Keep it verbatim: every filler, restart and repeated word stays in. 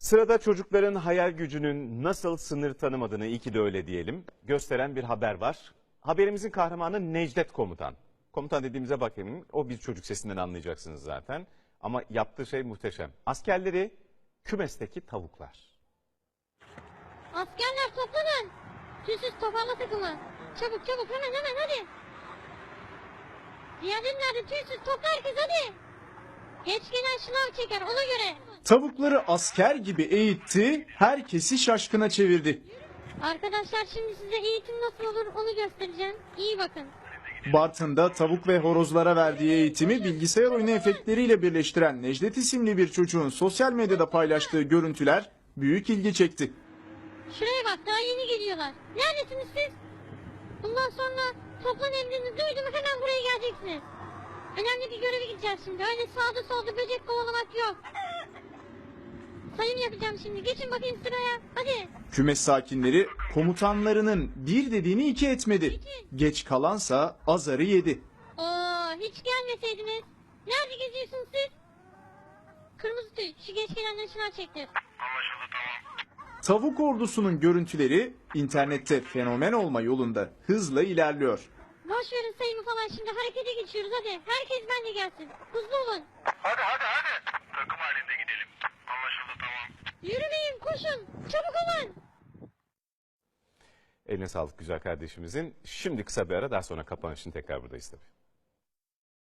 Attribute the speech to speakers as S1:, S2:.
S1: Sırada çocukların hayal gücünün nasıl sınır tanımadığını, iyi ki de öyle diyelim, gösteren bir haber var. Haberimizin kahramanı Necdet Komutan. Komutan dediğimize bakayım, o bir çocuk sesinden anlayacaksınız zaten. Ama yaptığı şey muhteşem. Askerleri kümesteki tavuklar.
S2: Askerler toplanın. Tüysüz toparla takımı. Çabuk çabuk hemen hemen hadi. Diğerleri nerede? Tüysüz topla herkes hadi. Geç gelen şınav çeker ona göre.
S3: Tavukları asker gibi eğitti, herkesi şaşkına çevirdi.
S2: Arkadaşlar şimdi size eğitim nasıl olur onu göstereceğim. İyi bakın.
S3: Bartın'da tavuk ve horozlara verdiği eğitimi bilgisayar oyunu efektleriyle birleştiren Necdet isimli bir çocuğun sosyal medyada paylaştığı görüntüler büyük ilgi çekti.
S2: Şuraya bak daha yeni geliyorlar. Neredesiniz siz? Bundan sonra toplan emrini duydum hemen buraya geleceksiniz. Önemli bir göreve gideceğiz şimdi. Öyle sağda solda böcek kovalamak yok. Sayım yapacağım şimdi. Geçin bakayım sıraya. Hadi.
S3: Kümes sakinleri komutanlarının bir dediğini iki etmedi. Geç kalansa azarı yedi.
S2: Oo, hiç gelmeseydiniz. Nerede geziyorsunuz siz? Kırmızı tüy. Şu geç gelenleri şınav çektir.
S3: Tavuk ordusunun görüntüleri internette fenomen olma yolunda hızla ilerliyor.
S2: Boş verin sayımı falan şimdi harekete geçiyoruz hadi. Herkes benimle gelsin. Hızlı olun.
S4: Hadi hadi hadi. Takım halinde gidelim. Anlaşıldı tamam.
S2: Yürümeyin koşun. Çabuk olun.
S1: Eline sağlık güzel kardeşimizin. Şimdi kısa bir ara, daha sonra kapanışın tekrar buradayız tabii.